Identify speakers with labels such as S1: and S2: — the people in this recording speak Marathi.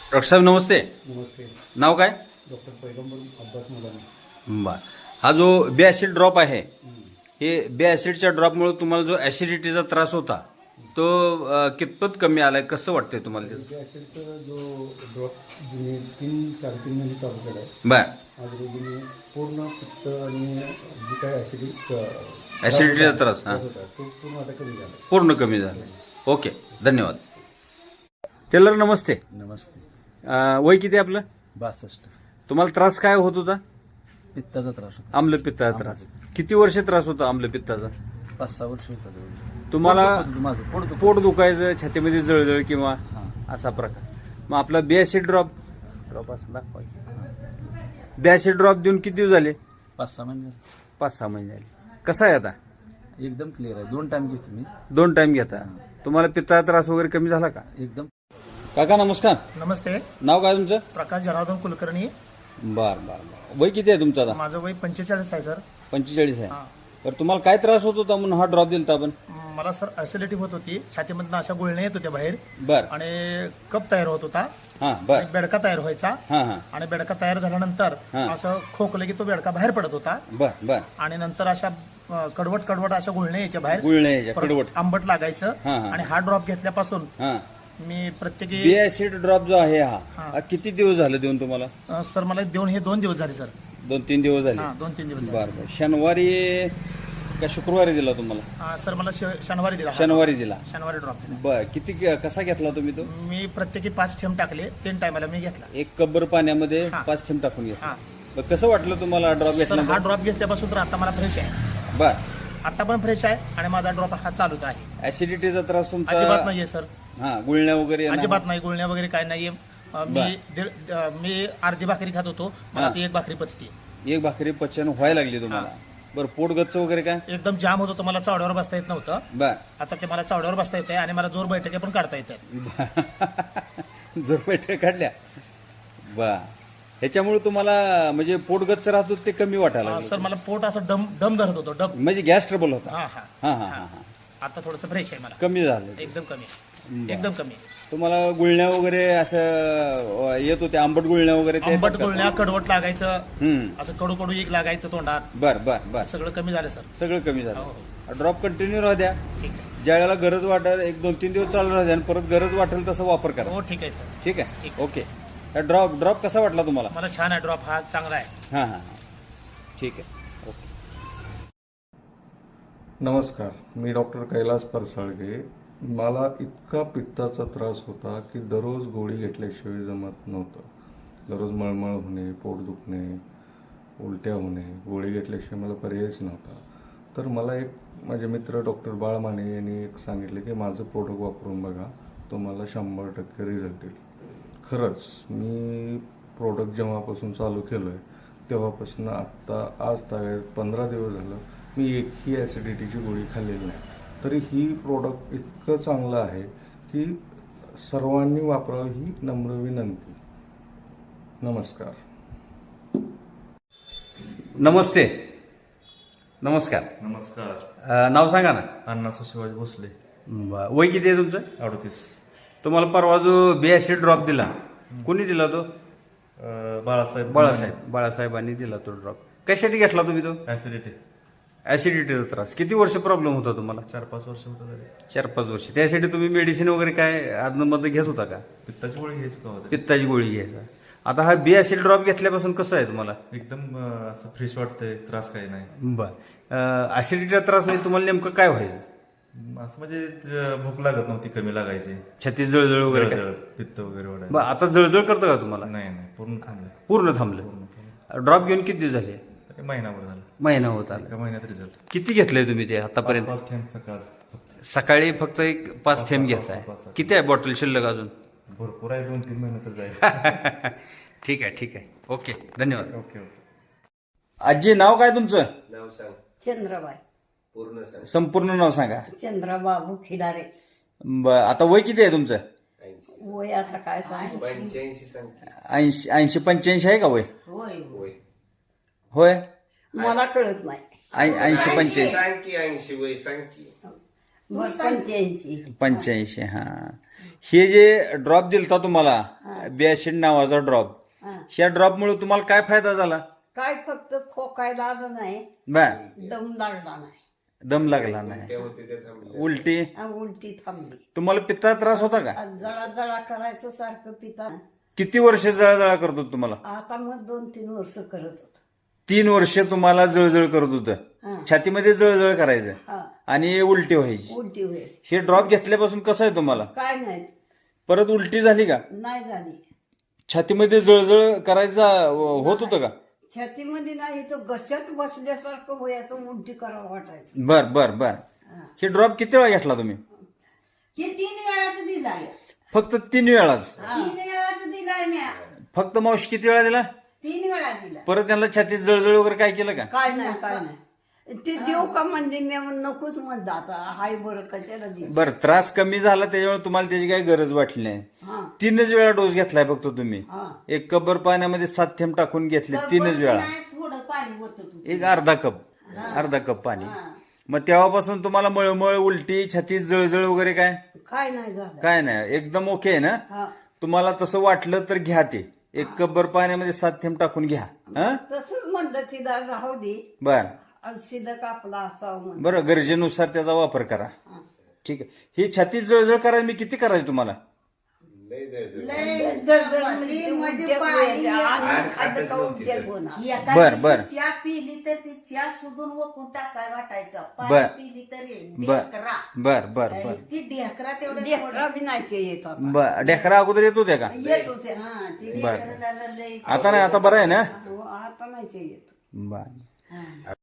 S1: डॉक्टर साहेब नमस्ते.
S2: नमस्ते.
S1: नाव काय?
S2: डॉक्टर पैगंबर अब्बास मुलानी.
S1: बर. हा जो बे ॲसिड ड्रॉप आहे, हे बे ॲसिडच्या ड्रॉपमुळे तुम्हाला जो ॲसिडिटीचा त्रास होता तो कितपत कमी आलाय, कसं वाटतंय तुम्हाला त्याचं?
S2: त्या ॲसिडचा जो ड्रॉप जुने 3-3.5 महिने चालू केला आहे.
S1: बर.
S2: आज रोजीने पूर्ण पित्त आणि जी काय
S1: ॲसिडिटीचा त्रास
S2: होता तो पूर्ण आता कमी झाला.
S1: पूर्ण कमी झाला. ओके, धन्यवाद. टेलर नमस्ते.
S3: नमस्ते.
S1: वय किती आहे आपलं?
S3: 62.
S1: तुम्हाला त्रास काय होत होता?
S3: पित्ताचा त्रास होता.
S1: आम्लपित्ताचा त्रास. किती वर्ष त्रास होता आम्लपित्ताचा?
S3: 5-6 वर्ष होता.
S1: तुम्हाला
S3: माझं
S1: पोट दुखायचं, छातीमध्ये जळजळ किंवा
S3: हां.
S1: असा प्रकार. मग आपला बे ॲसिड ड्रॉप असं दाखवा. बे ॲसिड ड्रॉप देऊन किती दिवस झाले?
S3: 5-6 महिने
S1: 5-6 महिने झाले. कसा आहे आता?
S3: एकदम क्लिअर आहे. 2 टाइम घेतो मी.
S1: 2 टाइम घेता. तुम्हाला पित्ताचा त्रास वगैरे कमी झाला का?
S3: एकदम.
S1: काका नमस्कार.
S4: नमस्ते.
S1: नाव काय तुमचं?
S4: प्रकाश जनार्दन कुलकर्णी.
S1: बर बर बर. वय किती आहे तुमचं आता?
S4: माझं वय 45 आहे सर.
S1: 45 आहे.
S4: हा.
S1: तर तुम्हाला काय त्रास होत होता म्हणून हा ड्रॉप दिलता आपण?
S4: मला सर ऍसिडिटी होत होती, छातीमधनं अशा गुळण्या येत होत्या बाहेर
S1: बर.
S4: आणि कप तयार होत होता,
S1: हा बर.
S4: आणि बेडका तयार व्हायचा,
S1: हा हा
S4: आणि बेडका तयार झाल्यानंतर
S1: हा.
S4: असं खोकलं की तो बेडका बाहेर पडत होता,
S1: बर बर.
S4: आणि नंतर अशा कडवट अशा गुळण्या यायच्या बाहेर,
S1: गुळण्या यायच्या,
S4: परत
S1: कडवट.
S4: आंबट लागायचं.
S1: हा, हा.
S4: आणि हा ड्रॉप घेतल्यापासून
S1: हा.
S4: मी प्रत्येकी
S1: बे ॲसिड ड्रॉप जो आहे हा
S4: हा.
S1: हा किती दिवस झाले देऊन तुम्हाला?
S4: सर मला देऊन हे 2 दिवस झाले सर.
S1: 2-3 दिवस झाले.
S4: हा, 2-3 दिवस झाले.
S1: बर बर. शनिवारी का शुक्रवारी दिला तुम्हाला?
S4: सर मला शनिवारी दिला.
S1: शनिवारी दिला.
S4: शनिवारी ड्रॉप दिला.
S1: बर. किती कसा घेतला तुम्ही तो?
S4: मी प्रत्येकी 5 थेंब टाकले, 3 टायमाला मी घेतला.
S1: एक कब्बर पाण्यामध्ये
S4: हा.
S1: 5 थेंब टाकून घेतला.
S4: हा.
S1: बरं, कसं वाटलं तुम्हाला ड्रॉप
S4: सर हा
S1: घेतला?
S4: ड्रॉप घेतल्यापासून तर आता मला फ्रेश आहे.
S1: बर.
S4: आता पण फ्रेश आहे आणि माझा ड्रॉप हा चालूच आहे.
S1: ऍसिडिटीचा त्रास तुमचा
S4: अजिबात नाहीये सर.
S1: हा, गुळण्या वगैरे येणं?
S4: अजिबात नाही, गुळण्या वगैरे काय नाहीये. मी अर्धी भाकरी खात होतो, मला
S1: हा.
S4: ती 1 भाकरी पचते.
S1: एक भाकरी पचन व्हायला लागली तुम्हाला? बरं. पोट गच्च वगैरे काय?
S4: एकदम जाम होत होतं, मला चावड्यावर बसता येत नव्हतं.
S1: बर.
S4: आता ते मला चावड्यावर बसता येते आणि मला जोर बैठके पण काढता येतात.
S1: जर बैठक काढल्या. बर. ह्याच्यामुळे तुम्हाला म्हणजे पोट गच्च राहत होतं ते कमी वाटायला लागलं?
S4: सर मला पोट असं दम धरत होतं, डब.
S1: म्हणजे गॅस ट्रबल होता?
S4: हा हा
S1: हा हा हा.
S4: आता थोडंसं फ्रेश आहे मला.
S1: कमी झालं?
S4: एकदम कमी,
S1: बरं.
S4: एकदम कमी.
S1: तुम्हाला गुळण्या वगैरे असं येत होते, आंबट गुळण्या वगैरे ते
S4: आंबट
S1: येतात का?
S4: गुळण्या, कडवट लागायचं,
S1: हम्म.
S4: असं कडू एक लागायचं तोंडात.
S1: बर बर बर.
S4: सगळं कमी झालं सर.
S1: सगळं कमी
S4: हो,
S1: झालं. ड्रॉप कंटिन्यू राहू द्या.
S4: ठीक आहे.
S1: ज्या वेळेला गरज वाटेल 1-2-3 दिवस चालू राहू द्या आणि परत गरज वाटेल तसं वापर करा.
S4: हो ठीक आहे सर.
S1: ठीक आहे.
S4: ठीक.
S1: ओके. ड्रॉप कसा वाटला तुम्हाला?
S4: मला छान आहे ड्रॉप, हा चांगला आहे.
S1: हां हां हां. ठीक आहे. ओके.
S2: नमस्कार. मी डॉक्टर कैलास परसाळगे. मला इतका पित्ताचा त्रास होता की दररोज गोळी घेतल्याशिवाय जमत नव्हतं. दररोज मळमळ होणे, पोट दुखणे, उलट्या होणे, गोळी घेतल्याशिवाय मला पर्यायच नव्हता. तर मला एक माझे मित्र डॉक्टर बाळ माने यांनी एक सांगितले की माझं प्रोडक्ट वापरून बघा, तुम्हाला 100% रिझल्ट येईल. खरंच मी प्रोडक्ट जेव्हापासून चालू केलं आहे तेव्हापासून आत्ता आज तागायत 15 दिवस झालं मी एकही ॲसिडिटीची गोळी खाल्लेली नाही. तरी ही प्रोडक्ट इतकं चांगलं आहे की सर्वांनी वापरावं ही नम्र विनंती. नमस्कार.
S1: नमस्ते. नमस्कार.
S5: नमस्कार.
S1: नाव सांगा ना.
S5: अण्णा शिवाजी भोसले.
S1: वय किती आहे तुमचं?
S5: 38.
S1: तुम्हाला परवा जो बे ॲसिड ड्रॉप दिला, कोणी दिला तो?
S5: बाळासाहेब
S1: बाळासाहेबांनी दिला तो ड्रॉप. कशासाठी घेतला तुम्ही तो?
S5: ऍसिडिटी.
S1: ॲसिडिटीचा त्रास. किती वर्ष प्रॉब्लेम होता तुम्हाला?
S5: 4-5 वर्ष होतं झाले.
S1: 4-5 वर्ष. त्यासाठी तुम्ही मेडिसिन वगैरे काय आदनमध्ये घेत होता का?
S5: पित्ताची गोळी घ्यायची का होते?
S1: पित्ताची गोळी घ्यायचा. आता हा बे ॲसिड ड्रॉप घेतल्यापासून कसं आहे तुम्हाला?
S5: एकदम असं फ्रेश वाटतंय, त्रास काही नाही.
S1: बर. ॲसिडिटीचा त्रास म्हणजे तुम्हाला नेमकं काय व्हायचं?
S5: असं म्हणजे भूक लागत नव्हती, कमी लागायची,
S1: छाती जळजळ वगैरे काय?
S5: जळजळ, पित्त वगैरे वाढायचं.
S1: बरं, आता जळजळ करतं का तुम्हाला?
S5: नाही पूर्ण थांबलं.
S1: पूर्ण थांबलं. ड्रॉप घेऊन किती दिवस झाले?
S5: तरी महिनाभर झालं.
S1: महिना होत आला.
S5: एका महिन्यात रिझल्ट.
S1: किती घेतलंय तुम्ही ते आतापर्यंत?
S5: 5 थेंब सकाळ.
S1: सकाळी फक्त एक 5 थेंब घेताय. किती आहे बॉटल शिल्लक अजून?
S5: भरपूर आहे, 2-3 महिने तर जाईल.
S1: ठीक आहे. ठीक आहे. ओके. धन्यवाद.
S5: ओके.
S1: आजी नाव काय तुमचं?
S6: नाव सांग.
S7: चंद्राबाई.
S6: पूर्ण सांग.
S1: संपूर्ण नाव सांगा.
S7: चंद्राबाबू खिडारे.
S1: आता वय किती आहे तुमचं?
S6: 80.
S7: वय आता काय सांग.
S6: 85 सांग.
S1: 80-85 आहे का वय?
S7: होय
S6: वय.
S1: होय.
S7: मला कळत नाही.
S1: 80-85.
S6: सांग की 80 वय सांग की.
S7: मग 85.
S1: 85. हा. हे जे ड्रॉप दिलता तुम्हाला बिॲसिड नावाचा ड्रॉप.
S7: हा.
S1: ह्या ड्रॉपमुळे तुम्हाला काय फायदा झाला?
S7: काय फक्त खोकायला आलं नाही,
S1: बर.
S7: दम लागला नाही,
S1: दम लागला नाही,
S6: ते होते ते थांबले.
S1: उलटी.
S7: उलटी थांबली.
S1: तुम्हाला पित्ता त्रास होता का?
S7: आज जळा जळा करायचं सारखं पिता.
S1: किती वर्ष जळजळ करत होत तुम्हाला?
S7: आता मग 2-3 वर्ष करत होत.
S1: 3 वर्ष तुम्हाला जळजळ करत होतं,
S7: हा.
S1: छातीमध्ये जळजळ करायचं
S7: हा,
S1: आणि उलटी व्हायची.
S7: उलटी व्हायची.
S1: हे ड्रॉप घेतल्यापासून कसं आहे तुम्हाला?
S7: काय नाही,
S1: परत उलटी झाली का?
S7: नाही झाली.
S1: छातीमध्ये जळजळ करायचा होत होतं का?
S7: छातीमध्ये नाही, तो घशात बसल्यासारखं व्हायचं, उलटी करावं वाटायचं.
S1: बर बर बर. हे ड्रॉप किती वेळा घेतला तुम्ही?
S8: हे 3 वेळाच दिलाय.
S1: फक्त 3 वेळाच.
S8: 3 वेळाच दिलाय म्या.
S1: फक्त मावशी किती वेळा दिला?
S8: 3 वेळा दिला.
S1: परत त्यांना छातीत जळजळ वगैरे काय केलं का?
S7: काय नाही, काय नाही. ते देऊ का म्हणजे मी नकोच म्हणलं, आता हाय बरं कशाला दे.
S1: बरं, त्रास कमी झाला त्याच्यामुळे तुम्हाला त्याची काही गरज वाटली नाही.
S7: हा
S1: 3च वेळा डोस घेतलाय फक्त तुम्ही.
S7: हा.
S1: एक कपभर पाण्यामध्ये 7 थेंब टाकून घेतले 3च वेळा.
S8: नाही, थोडं पाणी होतं तू.
S1: एक अर्धा कप पाणी. मग तेव्हापासून तुम्हाला मळमळ, उलटी, छातीत जळजळ वगैरे काय?
S7: काय नाही झालं.
S1: काय नाही, एकदम ओके आहे ना?
S7: हा,
S1: तुम्हाला तसं वाटलं तर घ्या ते. एक कपभर पाण्यामध्ये 7 थेंब टाकून घ्या. हा
S7: तसंच म्हणलं तिला राहू दे,
S1: बर.
S7: शिदक आपला असावं म्हणून.
S1: बरं, गरजेनुसार त्याचा वापर करा. ठीक आहे. ही छातीत जळजळ करायला मी किती करायची तुम्हाला?
S6: लय जळजळ.
S8: लय
S7: जळजळ
S8: म्हणजे
S7: म्हणजे
S8: पाणी
S7: व्हायचं.
S6: आत
S7: आणि खाल्लं
S6: खातच
S7: का
S6: नव्हती
S7: उलट्याच
S6: तर.
S7: होणार.
S8: एका
S1: बर,
S8: दिवशी
S1: बर.
S8: चहा पिली तर ती चहा सुधून वकून टाकाय वाटायचं.
S1: बर.
S8: पाणी पिली तरी
S1: बर
S8: ढेकरा.
S1: बर बर बर
S8: ती ढेकरा तेवढं
S7: लेकरं बी नाही ते येत आता.
S1: बर. ढेकरा अगोदर येत होत्या का?
S7: येत होते.
S8: हा ती
S1: बर.
S8: ढेकराला लय
S1: आता नाही, आता बरं आहे ना?
S7: आता नाही ते येत.
S1: बर.